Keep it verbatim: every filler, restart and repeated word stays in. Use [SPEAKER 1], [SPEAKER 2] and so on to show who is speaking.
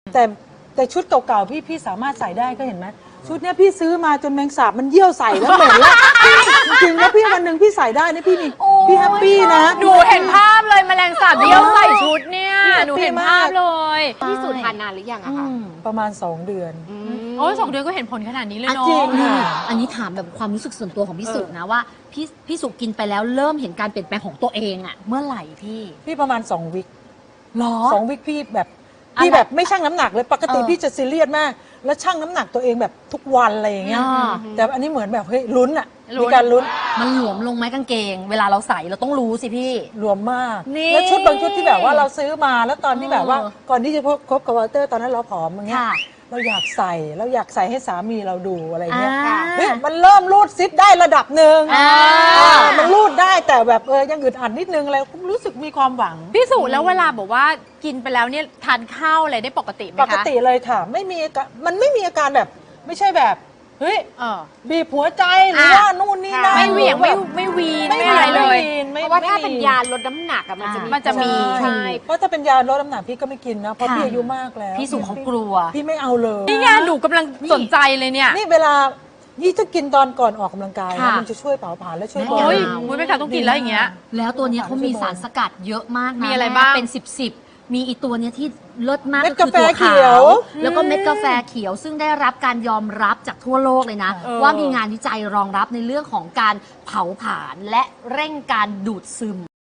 [SPEAKER 1] แต่แต่ชุดเก่าๆพี่พี่สามารถใส่ได้ก็เห็นไหมชุดเนี้ยพี่ซื้อมาจนแมงสาบมันเยี่ยวใส่แล้วเหม็นแล้วจริงๆแล้วพี่วันหนึ่งพี่ใส่ได้นะพี่มีพี่แฮปปี้นะ
[SPEAKER 2] หนูเห็นภาพเลยแมลงสาบเยี่ยวใส่ชุดเนี่ยหนูเห็นภาพเลย
[SPEAKER 3] พี่สูตรทานนานหรือยังอะคะ
[SPEAKER 1] ประมาณสองเดือน
[SPEAKER 2] โอ้ยสองเดือนก็เห็นผลขนาดนี้เลย
[SPEAKER 1] อ่ะ
[SPEAKER 2] เนาะ
[SPEAKER 1] จริงค่ะ
[SPEAKER 4] อันนี้ถามแบบความรู้สึกส่วนตัวของพี่สุนะว่าพี่พี่สุกินไปแล้วเริ่มเห็นการเปลี่ยนแปลงของตัวเองอะเมื่อไหร่พี่
[SPEAKER 1] พี่ประมาณสองวิค
[SPEAKER 4] หรอ
[SPEAKER 1] สองวิคพี่แบบ
[SPEAKER 4] อะไร
[SPEAKER 1] พี่แบบไม่ชั่งน้ำหนักเลยปกติ
[SPEAKER 4] เออ
[SPEAKER 1] พี่จะซีเรียสมาก แล้วชั่งน้ำหนักตัวเองแบบทุกวันอะไรอย่างเงี้ย
[SPEAKER 4] อ่า
[SPEAKER 1] แต่อันนี้เหมือนแบบเฮ้ยลุ้นอะ
[SPEAKER 2] ลุ้
[SPEAKER 1] มี
[SPEAKER 2] น
[SPEAKER 1] การลุ้น
[SPEAKER 4] มันหลวมลงไหมกางเกง เวลาเราใส่เราต้องรู้สิพี่
[SPEAKER 1] รวมมาก
[SPEAKER 4] นี่
[SPEAKER 1] แล้วชุดบางชุดที่แบบว่าเราซื้อมาแล้วตอนที่แบบว่า
[SPEAKER 4] เออ
[SPEAKER 1] ก่อนที่จะคบกับวอลเตอร์ตอนนั้นเราผอมอย่างเงี้ย
[SPEAKER 4] ค่ะ
[SPEAKER 1] เราอยากใส่เราอยากใส่ให้สามีเราดูอะไรเงี้ย
[SPEAKER 4] อ่า
[SPEAKER 1] เฮ้ยมันเริ่มรูดซิปได้ระดับหนึ่ง
[SPEAKER 4] อ่า
[SPEAKER 1] อ่ามันรูดได้แต่แบบเออยังอึดอัดนิดนึงอะไรรู้สึกมีความหวัง
[SPEAKER 2] พี่สุแล้วเวลาบอกว่ากินไปแล้วเนี่ยทานข้าวอะไรได้ปกติไหมคะ
[SPEAKER 1] ปกติเลยค่ะ ไม่มีอาการมันไม่มีอาการแบบไม่ใช่แบบเฮ้ย
[SPEAKER 2] เออ
[SPEAKER 1] บีบหัวใจหรือว่านู่นนี่นั่น
[SPEAKER 2] ไม่เหวี่ยงไม่ไม่วีนไม่อะไรเลย
[SPEAKER 1] ม่วีนไม่
[SPEAKER 3] เพราะว่าถ้า
[SPEAKER 1] ไม่
[SPEAKER 3] เป็น
[SPEAKER 1] มี
[SPEAKER 3] ยาลดน้ำหนักอะมันจะมี
[SPEAKER 2] มันจะมี
[SPEAKER 3] ใช่
[SPEAKER 1] เพราะถ้าเป็นยาลดน้ำหนักพี่ก็ไม่กินนะเพราะ
[SPEAKER 4] ค่ะ
[SPEAKER 1] พี่อายุมากแล้ว
[SPEAKER 4] พี่สุเขากลัว
[SPEAKER 1] พี่ไม่เอาเลย
[SPEAKER 2] นี่ไงหนูกำลังสนใจเลยเนี่ย
[SPEAKER 1] นี่เวลานี่ถ้ากินตอนก่อนออกกำลังกายนะ
[SPEAKER 4] ค่ะ
[SPEAKER 1] มันจะช่วยเผาผลาญและช่วย
[SPEAKER 4] แน่
[SPEAKER 1] บอ
[SPEAKER 2] โอ้ย
[SPEAKER 1] ล
[SPEAKER 2] มุ้ยไม่ค่ะต้องกินแล้วอย่างเงี้ย
[SPEAKER 4] แล้วตัวเนี้ยเขามีสารสกัดเยอะมากนะ
[SPEAKER 2] มีอะไรบ้าง
[SPEAKER 4] เป็นสิบสิบมีอีตัวเนี้ยที่เลิศมาก
[SPEAKER 1] เม็ด
[SPEAKER 4] ก็คื
[SPEAKER 1] กาแฟ
[SPEAKER 4] ตัว
[SPEAKER 1] เขี
[SPEAKER 4] ขา
[SPEAKER 1] ยว
[SPEAKER 4] ว แล้วก็เม็ดกาแฟเขียว ซึ่งได้รับการยอมรับจากทั่วโลกเลยนะ
[SPEAKER 2] เออ
[SPEAKER 4] ว่ามีงานวิจัยรองรับในเรื่องของการเผาผลาญและเร่งการดูดซึม